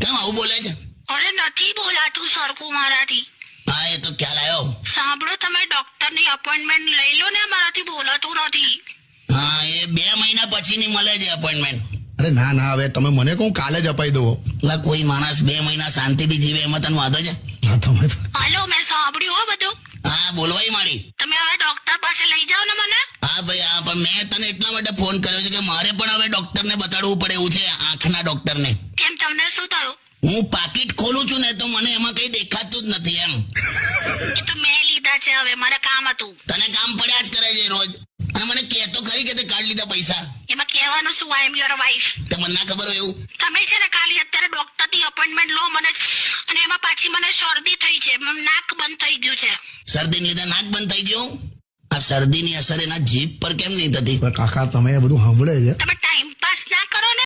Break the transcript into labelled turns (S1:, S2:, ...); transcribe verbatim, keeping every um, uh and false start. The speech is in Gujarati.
S1: કેમ આવું બોલે છે?
S2: અરે નથી બોલાતું સરખું મારાથી.
S1: હા એ તો ખ્યાલ આવ્યો.
S2: સાંભળો, તમે ડોક્ટરની અપોઇન્ટમેન્ટ લઈ લો ને, મારાથી બોલાતું નથી.
S1: હા એ બે મહિના પછીની મળે છે અપોઇન્ટમેન્ટ.
S3: અરે ના ના, હવે તમે મને કહું કાલે જ અપાઈ દો.
S1: એટલે કોઈ માણસ બે મહિના શાંતિથી જીવે એમાં તને વાંધો છે?
S3: હા તમે તો-
S2: હાલો, મેં સાંભળ્યું હો બધું.
S1: હા બોલવાય મારી.
S2: તમે હવે ડોક્ટર પાસે લઈ જાઓ ને મને.
S1: હા ભાઈ હા, પણ મેં તને એટલા માટે ફોન કર્યો છે કે મારે પણ હવે ડોક્ટરને બતાડવું પડે એવું છે, આંખના ડોક્ટરને.
S2: કેમ, તમને શું થયું?
S1: હું પાકીટ ખોલું છું ને તો મને એમાં કઈ દેખાતું જ નથી એમ.
S2: એ તો મેં લીધા છે, હવે મારે કામ હતું.
S1: તને કામ પડ્યા જ કરે છે રોજ. અને મને કહેતો ખરી કે તે કાઢ લીધા પૈસા.
S2: એમાં કહેવાનું શું, આઈ એમ યોર વાઇફ.
S1: તે મને ના ખબર હોય એવું.
S2: તમે છે ને ખાલી અત્યારે ડોક્ટરની અપોઇન્ટમેન્ટ લો મને જ. અને એમાં પાછી મને શરદી થઈ છે, મ- નાક બંધ થઈ ગયું છે.
S1: શરદીને લીધે નાક બંધ થઈ ગયું. આ શરદીની અસર એના જીભ પર કેમ નહીં થતી?
S3: પણ કાકા તમે એ બધું સાંભળે છે.
S2: તમે ટાઈમ પાસ ના કરો ને.